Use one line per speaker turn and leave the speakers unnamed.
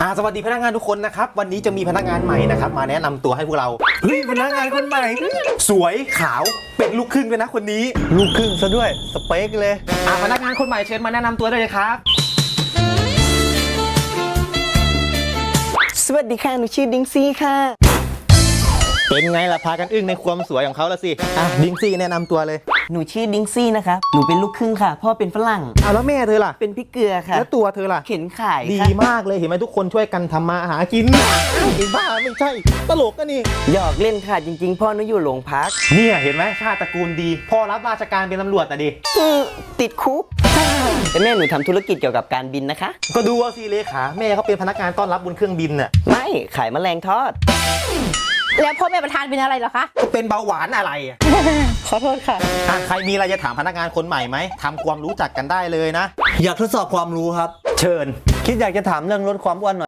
สวัสดีพนักงานทุกคนนะครับวันนี้จะมีพนักงานใหม่นะครับมาแนะนำตัวให้พวกเราเฮ้ยพนักงานคนใหม่สวยขาวเป็นลูกครึ่งด้วยนะคนนี้
ลูกครึ่งซะด้วยสเปคเลย
พนักงานคนใหม่เชิญมาแนะนำตัวได้เลยครับ
สวัสดีค่ะหนูชื่อดิงซี่ค่ะ
เป็นไงล่ะพากันอึ้งในความสวยของเขาละสิดิงซี่แนะนำตัวเลย
หนูชื่อดิงซี่นะคะหนูเป็นลูกครึ่งค่ะพ่อเป็นฝรั่ง
แล้วแม่เธอล่ะ
เป็นพี่เกลือค่ะ
แล้วตัวเธอล่ะ
เข็นขาย
ดี
ค่ะ
มากเลยเห็นไหมทุกคนช่วยกันทำมาหากินไอ้บ้าไม่ใช่ตลกกันนี่
หยอกเล่นค่ะจริงๆพ่อหนูอยู่โรงพัก
เนี่ยเห็นไหมชาติตระกูลดีพ่อรับราชการเป็นตำรวจแต่ดิ
ติดคุกแต่แม่หนูทำธุรกิจเกี่ยวกับการบินนะคะ
ก็ดูว่าสิเลขาแม่เขาเป็นพนักงานต้อนรับบนเครื่องบินน่ะ
ไม่ขายแมลงทอด
แล้วพ่อแม่ประธานเป็นอะไรเหรอคะ
ก็เป็นเบาหวานอะไร
ขอโทษค่ะ
ใครมีอะไรจะถามพนักงานคนใหม่ไหมทำความรู้จักกันได้เลยนะ
อยากทดสอบความรู้ครับ
เชิญ
คิดอยากจะถามเรื่องลดความอ้วนหน่อย